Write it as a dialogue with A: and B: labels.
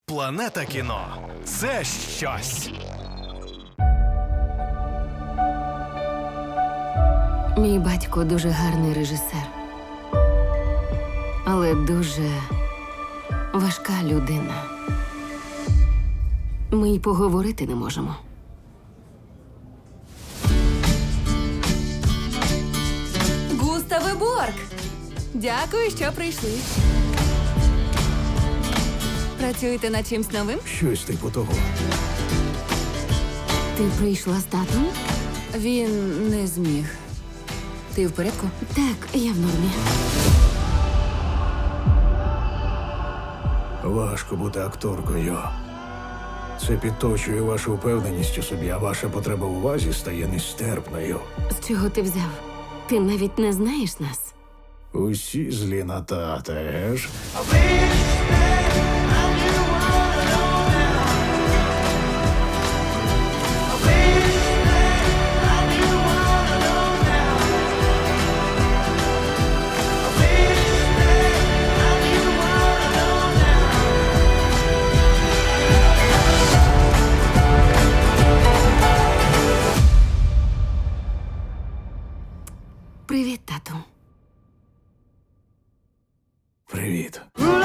A: Планета кіно – це щось.
B: Мій батько дуже гарний режисер, але дуже важка людина. Ми й поговорити не можемо.
C: Густаве Борг! Дякую, що прийшли. Працюєте над чимсь новим?
D: Щось типу того.
B: Ти прийшла з татом?
C: Він не зміг. Ти в порядку?
B: Так, я в нормі.
D: Важко бути акторкою. Це підточує вашу впевненість у собі, а ваша потреба увазі стає нестерпною.
B: З чого ти взяв? Ти навіть не знаєш нас.
D: Усі злі на тата, еж?
B: Привіт, тату.
D: Привіт.